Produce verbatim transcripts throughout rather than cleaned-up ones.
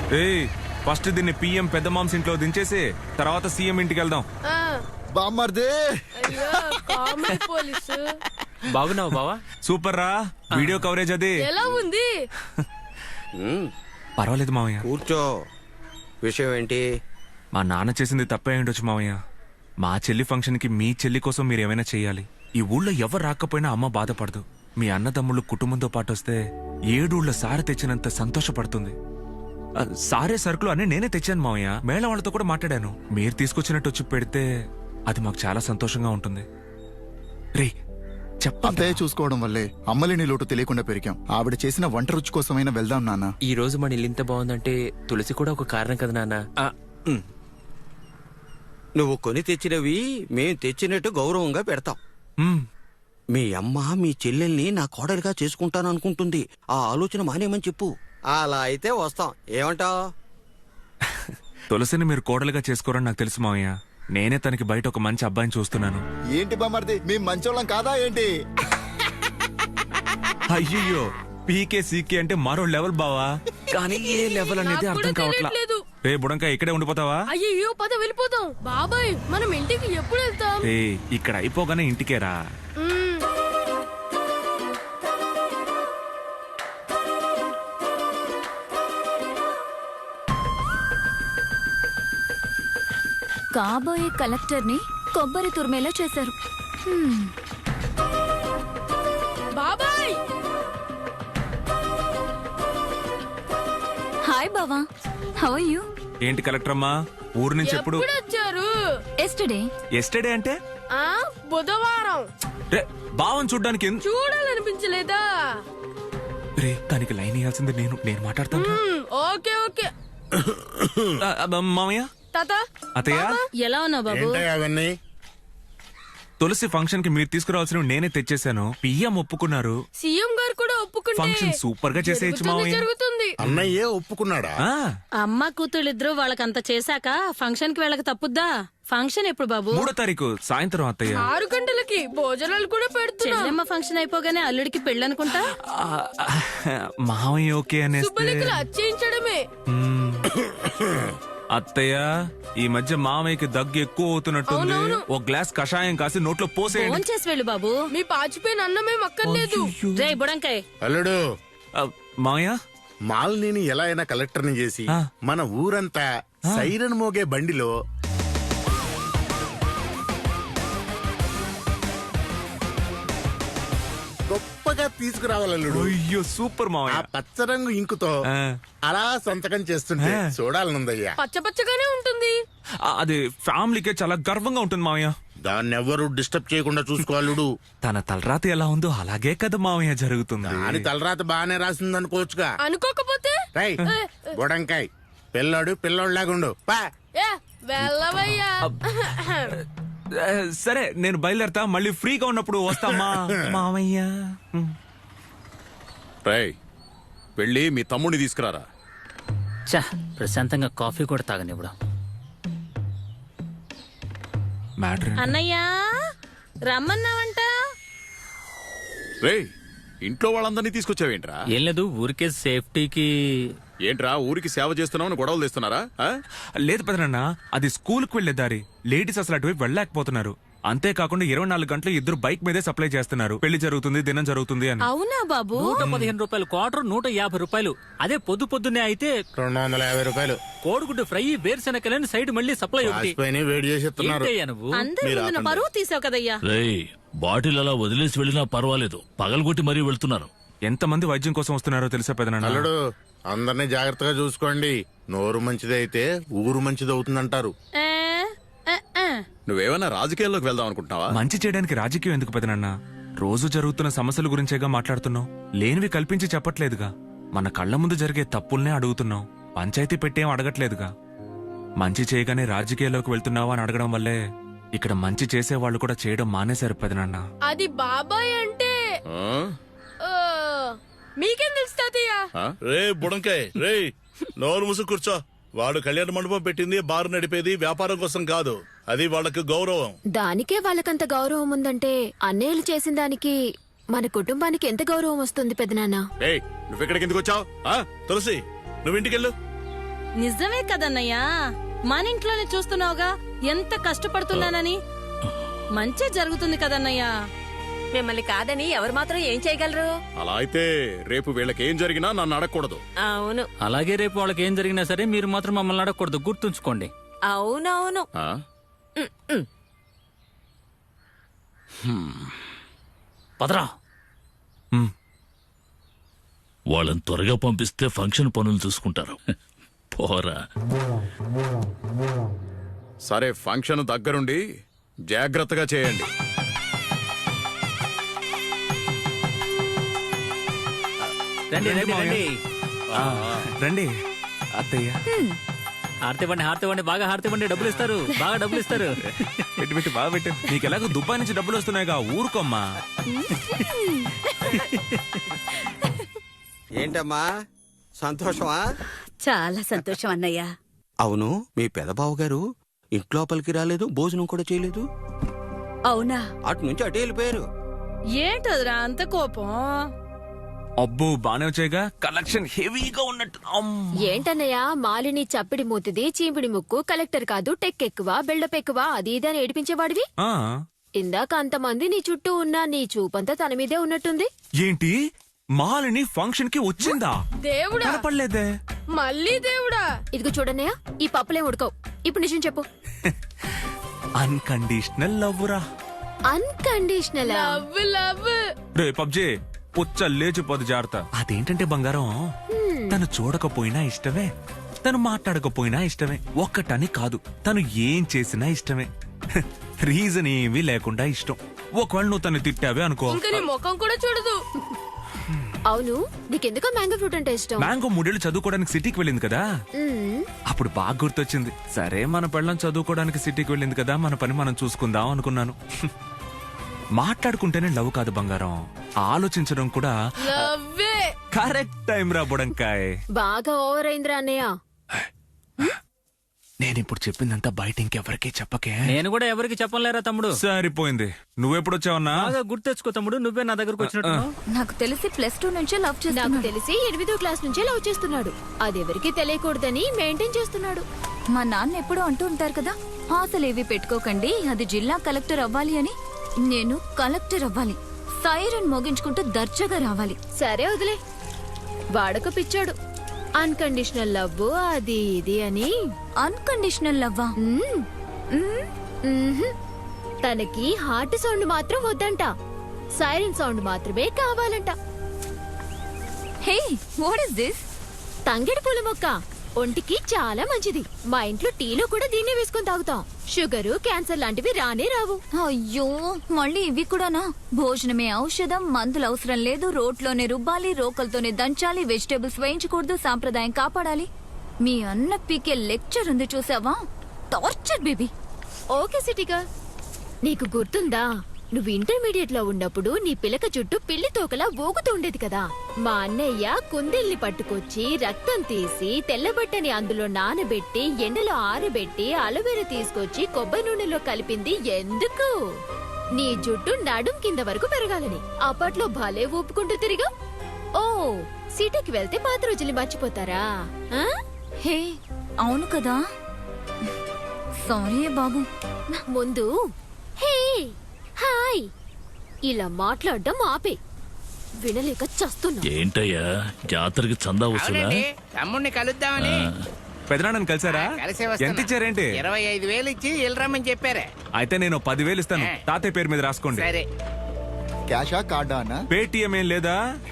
ఏయ్ ఫస్ట్ దీన్ని పిఎం పెద్ద మామ్స్ ఇంట్లో దించేసి తర్వాత సీఎం ఇంటికి వెళ్దాం. బామ్మర్దే బాగున్నావు బావా? సూపర్ రా. వీడియో కవరేజ్ అది ఎలా ఉంది? పర్వాలేదు మావయ్య. కూర్చో. విషయం ఏంటి? మా నాన్న చేసింది తప్పే ఉండొచ్చు మావయ్య. మా చెల్లి ఫంక్షన్ కి మీ చెల్లి కోసం మీరు ఏమైనా చెయ్యాలి. ఈ ఊళ్ళో ఎవరు రాకపోయినా అమ్మ బాధపడదు. మీ అన్నదమ్ముళ్ళు కుటుంబంతో పాటు వస్తే ఏడూళ్ళ సారె తెచ్చినంత సంతోషపడుతుంది. ఆ, సారే సరుకులు అన్నీ నేనే తెచ్చాను మావయ్య. మేళ వాళ్ళతో కూడా మాట్లాడాను. మీరు తీసుకొచ్చినట్టు వచ్చి పెడితే అది మాకు చాలా సంతోషంగా ఉంటుంది. రే చెప్పండి. అత్తయ్య చూసుకోవడం వల్లే అమ్మలేని లోటు తెలియకుండా పెరిగాం. ఆవిడ చేసిన వంట రుచి కోసమైనా వెళ్దాం నాన్న. ఈ రోజు మన ఇల్లు ఇంత బాగుందంటే తులసి కూడా ఒక కారణం కదా నాన్న. నువ్వు కొని తెచ్చినవి మేం తెచ్చినట్టు గౌరవంగా పెడతాం. మ్మ్. మీ అమ్మ మీ చెల్లెల్ని నా కోడలిగా చేసుకుంటాను అనుకుంటుంది. ఆ ఆలోచన మానేమని చెప్పు. అలా అయితే వస్తాం. ఏమంటావ్? తులసిని మీరు కోడలుగా చేసుకోరని నాకు తెలుసు మావయ్య. నేనే తనకి బయట ఒక మంచి అబ్బాయిని చూస్తున్నాను. ఏంటి బామ్మర్ది, మేము మంచోళ్ళం కాదా ఏంటి? అయ్యో పీకే సీకే అంటే మరో లెవెల్ బావా. కానీ ఏ లెవెల్ అనేది అర్థం కావట్లా. రే బుడంకా ఇక్కడే ఉండిపోతావా? అయ్యో పద వెళ్ళిపోతాం. బాబాయ్ మనం ఇంటికి ఎప్పుడు వెళ్తాం? ఏ ఇక్కడ అయిపోగానే ఇంటికేరా. కాబోయే కలెక్టర్ ని కొబ్బరి తురిమేలా చేశారు. బాబాయ్ హాయ్ బావా, హౌ ఆర్ యు? ఏంటి కలెక్టర్ అమ్మా ఊరు నుంచి ఎప్పుడు ఎప్పుడు వచ్చారు? ఎస్టర్డే. ఎస్టర్డే అంటే ఆ బుధవారం. రే బావని చూడ్డానికి ఎన్- చూడాలనిపించలేదా? రే దానికి లైన్ ఇవ్వాల్సింది నేను నేను మాట్లాడతాను. మ్మ్, ఓకే ఓకే. ఆ, ఆ, మామయ్య తాత అతయ్య ఎలా ఉన్నావు బాబు? అవన్నీ తులసి ఫంక్షన్ కి మీరు తీసుకురావాల్సిన నేనే తెచ్చేసాను. పిఎం ఒప్పుకున్నారు. సీఎం గారు కూడా ఒప్పుకుంటే ఫంక్షన్ సూపర్ గా చేసేయచ్చు జరుగుతుంది, మామయ్య. జరుగుతుంది. అన్నయ్యే ఒప్పుకున్నాడా? ఆ, అమ్మ కూతుళ్ళిద్దరూ వాళ్ళకంత చేశాక ఫంక్షన్ కి వెళ్ళక తప్పుద్దా? ఫంక్షన్ ఎప్పుడు బాబు? మూడో తారీఖు సాయంత్రం అత్తయ్య. ఆరు గంటలకి భోజనాలు కూడా పెడుతున్నాం. చెల్లెమ్మ ఫంక్షన్ అయిపోగానే అల్లుడికి పెళ్ళనుకుంటా. ఆ, మామయ్య ఓకే అనేస్తే సుబ్బలికలు అచ్చేయించడమే. మ్మ్. అత్తయ్య ఈ మధ్య మామయ్యకి దగ్గు ఎక్కువ అవుతున్నట్టుంది. ఒక గ్లాస్ కషాయం కాసి నోట్లో పోసేయండి. ఫోన్ చేసి వెళ్ళు బాబు. మీ పాచిపోయిన అన్నమేం అక్కర్లేదు. రే బుడంకాయ్, అల్లుడు, ఆ, మామయ్య మాలిని ఎలా అయినా కలెక్టర్ని చేసి ఆ. మన ఊరంతా సైరన్ మోగే బండిలో గొప్పగా తీసుకురావాలల్లుడు. అయ్యో సూపర్ ఆ మామయ్య. పచ్చరంగు ఇంకుతో ఆ. అలా సంతకం చేస్తుంటే ఆ. చూడాలనుందయ్యా. పచ్చ పచ్చగానే ఉంటుంది. ఆ, అది ఫ్యామిలీకే చాలా గర్వంగా ఉంటుంది మామయ్య. దాన్ని ఎవ్వరు డిస్టర్బ్ చేయకుండా చూసుకోవాలుడు. తన తలరాత ఎలా ఉందో అలాగే కదా మామయ్య జరుగుతుంది. దాని తలరాత బాగానే రాసింది అనుకోవచ్చుగా. అనుకోకపోతే రై బుడంకాయ్, పిల్లాడు పిల్లోడ్లాగుండు పా. ఏ వెళ్ళవయ్యా. ఆ, సరే నేను బయలుదేరతా. మళ్ళీ ఫ్రీగా ఉన్నప్పుడు వస్తామా మామయ్య. రేయ్ వెళ్ళి మీ తమ్ముడిని తీసుకురారా. చా ప్రశాంతంగా కాఫీ కూడా తాగనివ్వడం. మ్యాటర్ అన్నయ్యా రమ్మన్నావంట. రేయ్ ఇంట్లో వాళ్ళందరినీ తీసుకొచ్చావేంట్రా? ఏం లేదు, ఊరికే సేఫ్టీకి. ఏంట్రా ఊరికి సేవ చేస్తున్నావు గొడవలు తెస్తున్నారా? ఆ? లేదు పెదనన్న, అది స్కూల్ కు వెళ్లే దారి. లేడీస్ అసలు అటువైపు వెళ్ళలేకపోతున్నారు. అంతేకాకుండా ఇరవై నాలుగు గంటలు ఇద్దరు బైక్ మీదే సప్లై చేస్తున్నారు. పెళ్లి జరుగుతుంది, దినం జరుగుతుంది అని. అవునా బాబు? నూట పదిహేను రూపాయలు క్వార్టర్, నూట యాభై రూపాయలు. అదే పొద్దు పొద్దున్నే అయితే రెండు వందల యాభై రూపాయలు కోడిగుడ్డు ఫ్రై, వేరుశెనకలని సైడ్ మళ్ళీ సప్లై ఒకటి. రాసిపోయినాయి, వేడి చేసి ఇస్తున్నారు. ఏంటయ్యా నువ్వు? అందరి మీరు ముందున ఆపండి. పరువు తీసావు కదయ్యా. రేయ్ బాటిల్ అలా వదిలేసి వెళ్ళినా పర్వాలేదు, పగలగొట్టి మరీ వెళ్తున్నారు. ఎంతమంది వైద్యం కోసం వస్తున్నారో తెలుసా పెదనన్న? అల్లుడు, అందరినీ జాగ్రత్తగా చూసుకోండి. నోరు మంచిదైతే ఊరు మంచిది అవుతుందంటారు. ఏ, ఏ, ఏ. నువ్వేమైనా రాజకీయాల్లోకి వెళ్దాం అనుకుంటున్నావా? మంచి చేయడానికి రాజకీయం ఎందుకు పెదనన్న? రోజు జరుగుతున్న సమస్యల గురించేగా మాట్లాడుతున్నావు. లేనివి కల్పించి చెప్పట్లేదుగా. మన కళ్ళ ముందు జరిగే తప్పుల్నే అడుగుతున్నావు. పంచాయతీ పెట్టేం అడగట్లేదుగా. మంచి చేయగానే రాజకీయాల్లోకి వెళ్తున్నావా అని అడగడం వల్లే ఇక్కడ మంచి చేసే వాళ్ళు కూడా చేయడం మానేశారు పెదనన్న. అది బాబాయ్ అంటే ఆ? ఆ, మీకేం తెలుసు తాతయ్య? ఆ? రే బుడంకాయ్, రే నోరు ముసు కూర్చో. వాడు కళ్యాణ మండపం పెట్టింది బారు నడిపేది వ్యాపారం కోసం కాదు. అది వాళ్ళకి గౌరవం. దానికే వాళ్ళకంత గౌరవం ఉందంటే అన్నయ్యలు చేసిన దానికి మన కుటుంబానికి ఎంత గౌరవం వస్తుంది పెదనాన్న? ఏయ్ నువ్వెక్కడికి ఎందుకు వచ్చావు? తులసి, నువ్వు ఇంటికెళ్ళు. నిజమే కదన్నయ్యా, మన ఇంట్లోనే చూస్తున్నావుగా ఎంత కష్టపడుతున్నానని. మంచి జరుగుతుంది కదన్నయ్యా. మిమ్మల్ని కాదని ఎవరు మాత్రం ఏం చేయగలరు? అలా అయితే రేపు వీళ్ళకి ఏం జరిగినా నన్ను అడగకూడదు. అవును అలాగే రేపు వాళ్ళకి ఏం జరిగినా సరే మీరు మాత్రం మమ్మల్ని అడగకూడదు, గుర్తుంచుకోండి. అవునవును. ఆ? పదరా. ఉమ్, వాళ్ళని త్వరగా పంపిస్తే ఫంక్షన్ పనులు చూసుకుంటారు. పోరా. సరే, ఫంక్షన్ దగ్గరుండి జాగ్రత్తగా చేయండి. రండి రండి రండి. ఆ, రండి అత్తయ్య. హారతి ఇవ్వండి, హారతి ఇవ్వండి, బాగా హారతి ఇవ్వండి, డబ్బులు ఇస్తారు, బాగా డబ్బులు ఇస్తారు. పెట్టి పెట్టి బాగా పెట్టు. నీకు ఎలాగో దుబాయ్ నుంచి డబ్బులు వస్తున్నాయిగా, ఊరుకోమ్మా. ఏంటమ్మా సంతోషమా? చాలా సంతోషం అన్నయ్య. అవును, మీ పెదబావు గారు ఇంట్లోపలికి రాలేదు, భోజనం కూడా చేయలేదు. అవునా? అటు నుంచి అటు వెళ్ళిపోయారు. ఏంటోదిరా అంత కోపం? అబ్బో బానే వచ్చాయిగా, కలెక్షన్ హెవీగా ఉన్నట్టు. అమ్. ఏంటన్నయ్య, మాలిని చప్పిడి మూతిది, చీపిడి ముక్కు, కలెక్టర్ కాదు, టెక్ ఎక్కువ, బిల్డప్ ఎక్కువ, అది ఇది అని ఏడిపించేవాడివి. ఆ, ఇందాక అంతమంది నీ చుట్టూ ఉన్నా నీ చూపంతా తన మీదే ఉన్నట్టుంది. ఏంటి మాలిని ఫంక్షన్ కి వచ్చిందా? దేవుడా, కనపడలేదే. మళ్ళీ దేవుడా. ఇదిగో చూడన్నయ్య, ఈ పప్పులే ఉడకవు. ఇప్పుడు నిజం చెప్పు. అన్కండిషనల్ లవ్ రా. Unconditional love love. రే పబ్జీ, పుచ్చ లేచిపోదు జాగ్రత్త. అదేంటంటే బంగారం, తను చూడకపోయినా ఇష్టమే, తను మాట్లాడకపోయినా ఇష్టమే. ఒక్కటని కాదు, తను ఏం చేసినా ఇష్టమే. రీజన్ ఏమీ లేకుండా ఇష్టం. ఒకవేళ నువ్వు తను తిట్టావే అనుకో, ఇంకా నీ ముఖం కూడా చూడదు. అవును, నీకెందుకో మ్యాంగో ఫ్రూట్ అంటే ఇష్టం? మ్యాంగో మూడేళ్లు చదువుకోవడానికి సిటీకి వెళ్ళింది కదా, మ్మ్. అప్పుడు బాగా గుర్తొచ్చింది. సరే మన పెళ్ళం చదువుకోవడానికి సిటీకి వెళ్ళింది కదా, మన పని మనం చూసుకుందాం అనుకున్నాను. మాట్లాడుకుంటేనే లవ్ కాదు బంగారం, ఆలోచించడం కూడా. లవ్వే. కరెక్ట్ టైం రా బుడంకాయ్. బాగా ఓవర్ అయిందిరా అన్నయ్య. నేను ఇప్పుడు చెప్పిందంతా బయట ఇంకెవరికీ చెప్పకే. నేను కూడా ఎవరికి చెప్పలేరా తమ్ముడు. సరిపోయింది. నువ్వెప్పుడొచ్చావన్నా? బాగా గుర్తెచ్చుకో తమ్ముడు, నువ్వే నా దగ్గరకు వచ్చినట్టు. నాకు తెలిసి ప్లస్ టూ నుంచే లవ్ చేస్తున్నాడు. నాకు తెలిసి ఎనిమిదో క్లాస్ నుంచే లవ్ చేస్తున్నాడు. అదెవరికి తెలియకూడదని మెయింటైన్ చేస్తున్నాడు. మా నాన్న ఎప్పుడూ అంటూ ఉంటారు కదా, ఆశలేవి పెట్టుకోకండి, అది జిల్లా కలెక్టర్ అవ్వాలి అని. నేను కలెక్టర్ అవ్వాలి, సైరన్ మోగించుకుంటూ దర్జాగా రావాలి. సరే వదిలే, వాడక పిచ్చాడు. అన్కండిషనల్ లవ్ అది ఇది అని. అన్కండిషనల్ లవ్వా? మ్మ్. మ్మ్. మ్మ్హ్. తనకి హార్ట్ సౌండ్ మాత్రం వద్దంట, సైరన్ సౌండ్ మాత్రమే కావాలంట. Hey, what is this? తంగెడు పూల మొక్క ఒంటికి చాలా మంచిది. మా ఇంట్లో టీలో కూడా దీన్నే వేసుకొని తాగుతాం. షుగరు, క్యాన్సర్ లాంటివి రానే రావు. అయ్యో, మళ్ళీ ఇవి కూడానా? భోజనమే ఔషధం, మందులు అవసరం లేదు, రోట్లోనే రుబ్బాలి, రోకలతోనే దంచాలి, వెజిటేబుల్స్ వేయించకూడదు, సాంప్రదాయం కాపాడాలి. మీ అన్న పీకే లెక్చర్ ఉంది చూసావా? Torture baby. ఓకే సిటీగా, నీకు గుర్తుందా, నువ్వు ఇంటర్మీడియట్ లో ఉన్నప్పుడు నీ పిలక చుట్టూ పిల్లి తోకలా ఊగుతూ ఉండేది కదా. మా అన్నయ్య కుందేల్ని పట్టుకొచ్చి రక్తం తీసి తెల్లబట్టని అందులో నానబెట్టి ఎండలో ఆరబెట్టి అలోవెరా తీసుకొచ్చి కొబ్బరి నూనెలో కలిపింది ఎందుకు? నీ జుట్టు నడుం కింద వరకు పెరగాలని. అప్పట్లో భలే ఊపుకుంటూ తిరిగా. ఓ, సిటీకి వెళ్తే పాత రోజుల్ని మర్చిపోతారా? ఆ? హే, అవును కదా, సారీ బాబు. ముందు హే హాయ్ ఇలా మాట్లాడడం ఆపే, వినలేక చస్తున్నా. ఏంటయ్యా, జాతరకి చందా వస్తుందా? తమ్ముడిని కలుద్దామని. పెదనాన్నని కలిసారా? కలిసే వస్తున్నా. ఎంత ఇచ్చారేంటి? ఇరవై ఐదు వేలు ఇచ్చి వెళ్ళరమ్మని చెప్పారే. అయితే నేను పదివేలు ఇస్తాను, తాతయ్య పేరు మీద రాసుకోండి. సరే. క్యాషా కార్డా అన్న? పేటిఎం ఏం లేదా?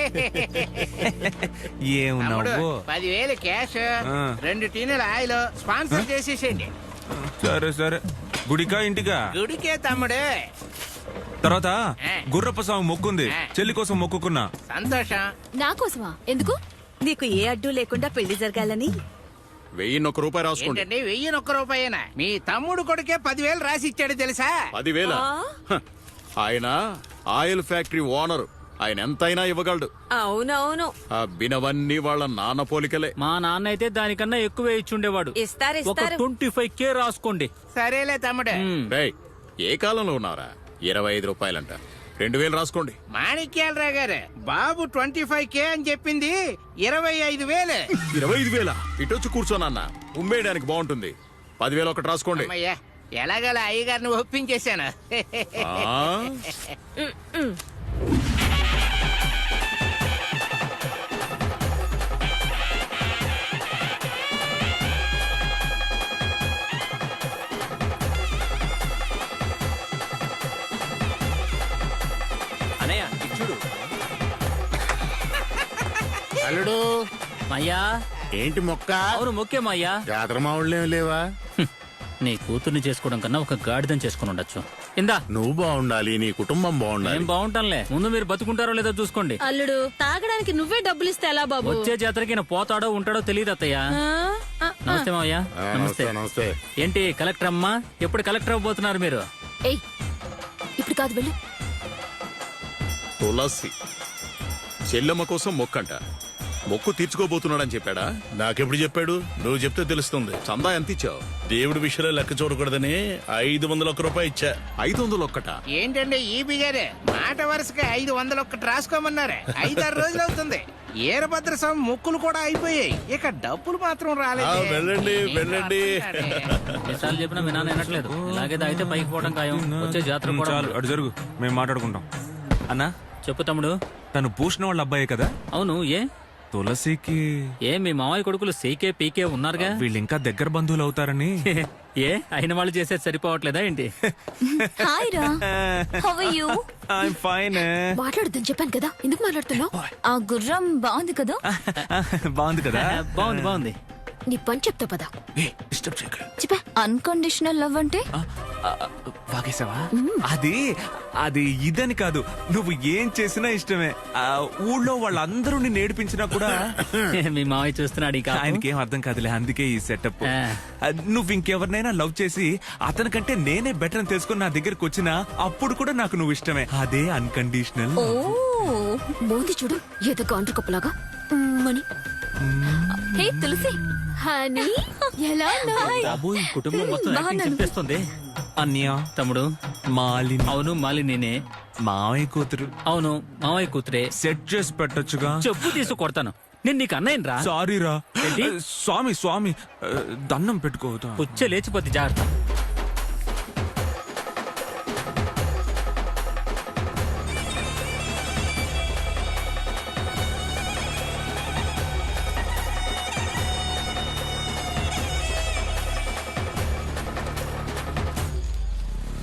తమ్ముడు, ఏమున్నావు? పదివేలు క్యాష్, ఆ. రెండు టీనుల ఆయిల్ స్పాన్సర్ చేసేసేయండి. సరే సరే, గుడికా ఇంటికా? గుడికే తమ్ముడు. తర్వాత ఆ. గుర్రప్ప స్వామి మొక్కుంది, ఆ. చెల్లి కోసం మొక్కుకున్నా. సంతోషం. నా కోసమా? ఎందుకు? నీకు ఏ అడ్డు లేకుండా పెళ్లి జరగాలని. వెయ్యిన్నొక్క రూపాయి రాసుకోండి. ఏంటండి వెయ్యి ఒక్క రూపాయేనా? మీ తమ్ముడు కొడుకే పదివేలు రాసి ఇచ్చాడు తెలుసా? పదివేల ఆయన ఆయిల్ ఫ్యాక్టరీ ఓనర్, ఆయన ఎంతైనా ఇవ్వగలడు. అవునవును, ఆ బినవన్నీ వాళ్ళ నాన్న పోలికలే. మా నాన్న అయితే దానికన్నా ఎక్కువే ఇచ్చుండేవాడు. ఇస్తారు ఒక ట్వంటీ ఫైవ్ కే రాసుకోండి. సరేలే తమ్ముడు. మ్మ్. రేయ్, ఏ కాలంలో ఉన్నారా? ఇరవై ఐదు రూపాయలంట. రెండు వేలు రాసుకోండి. మాణిక్యాలరావు గారు బాబు ట్వంటీ ఫైవ్ కే అని చెప్పింది ఇరవై ఐదు వేలే. ఇరవై ఐదు వేల ఇటొచ్చి కూర్చోనన్న ఉమ్మేయడానికి బాగుంటుంది. పదివేలు ఒకటి రాసుకోండి. అమ్మయ్యా ఎలాగలా అయ్యగారిని ఒప్పించేశాను. ఆ? అన్నయ్య ఇటు చూడు. అల్లుడు మయ్యా ఏంటి మొక్క? అవును ముఖ్యం అయ్యా. జాతర మావుళ్ళేం లేవా? నీ కూతుర్ని చేసుకోవడం కన్నా ఒక గాడిదని చేసుకుని ఉండొచ్చు. ఇందా నువ్వు బాగుండాలి, నీ కుటుంబం బాగుండాలి. ఏం బాగుంటానులే, ముందు మీరు బతుకుంటారో లేదో చూసుకోండి. అల్లుడు తాగడానికి నువ్వే డబ్బులు ఇస్తే ఎలా బాబు? వచ్చే జాతరకి ఈయన పోతాడో ఉంటాడో తెలియదు అత్తయ్య. ఆ? ఆ, నమస్తే మావయ్య. ఆ, నమస్తే. నమస్తే నమస్తే. ఏంటి కలెక్టర్ అమ్మా, ఎప్పుడు కలెక్టర్ అవ్వబోతున్నారు మీరు? ఏయ్ ఇప్పుడు కాదు వెళ్ళు. తులసి చెల్లెమ్మ కోసం మొక్కంట. మొక్కు తీర్చుకోబోతున్నాడని చెప్పాడా? నాకెప్పుడు చెప్పాడు? నువ్వు చెప్తే తెలుస్తుంది. చందా ఎంత ఇచ్చావు? దేవుడి విషయంలో లెక్క చూడకూడదని ఐదు వందల ఒక్క రూపాయి ఇచ్చా. ఐదు వందలు ఒక్కట. ఏంటండి ఈ బిగారే మాట వరుసగా ఐదు వందలు ఒక్కటి రాసుకోమన్నారు. ఐదారు రోజులు అవుతుంది. ఏరభద్ర స్వామి మొక్కులు కూడా అయిపోయాయి. ఇక డబ్బులు మాత్రం ఆ, రాలేదు. వెళ్ళండి వెళ్ళండి. ఎన్నిసార్లు చెప్పినా మీ నాన్న వినట్లేదు. ఇలాగే తాగితే పైకి పోవడం ఖాయం. వచ్చే జాతర కూడా చాలు అటు జరుగు, మేము మాట్లాడుకుంటాం. అన్నా చెప్పు తమ్ముడు. తను భూషణ వాళ్ళ అబ్బాయే కదా? అవును. ఏ తులసికి ఏ మీ మామయ్య కొడుకులు సీకే పీకే ఉన్నారుగా. వీళ్ళు ఇంకా దగ్గర బంధువులు అవుతారని. ఏ అయిన వాళ్ళు చేసేది సరిపోవట్లేదా ఏంటి? హాయ్ రా, how are you? I'm fine. మాట్లాడొద్దని చెప్పాను కదా, ఎందుకు మాట్లాడుతున్నావు? ఆ గుర్రం బాగుంది కదా? బాగుంది కదా? బాగుంది బాగుంది. నీ పని చెప్తా పదా. డిస్టర్బ్ చేయకు. చెప్పా. అన్కండిషనల్ లవ్ అంటే ఆ, ఆ, వాగేసావా? అది అది ఇదని కాదు, నువ్వు ఏం చేసినా ఇష్టమే. ఆ, ఊళ్ళో వాళ్ళందరూ నిన్ను ఏడిపించినా కూడా మీ మామయ్య చూస్తున్నాడు. ఇక ఆయనకేం అర్థం కాదులే, అందుకే ఈ సెటప్. ఆ. నువ్వు ఇంకెవరినైనా లవ్ చేసి అతనికంటే నేనే బెటర్ అని తెలుసుకుని నా దగ్గరకు వచ్చినా అప్పుడు కూడా నాకు నువ్వు ఇష్టమే. అదే అన్కండిషనల్. ఓ మోంది చూడు ఏదో కాంట్రీ కప్పులాగా మని. హే తులసి, హనీ ఎలా ఉన్నావ్? బాబు ఈ కుటుంబం మొత్తం యాక్టింగ్ చెప్పేస్తుంది. అన్య తమ్ముడు మాలిని. అవును మాలిని. మావయ్య కూతురు. అవును మామయ్య కూతురే. సెట్ చేసి పెట్టొచ్చుగా. చెప్పు తీసు కొడతాను. నేను నీకు అన్నయ్యను రా. సారీ రా. ఏంటి? స్వామి స్వామి దండం పెట్టుకోవద్దా? పుచ్చ లేచిపోతే జాగ్రత్త.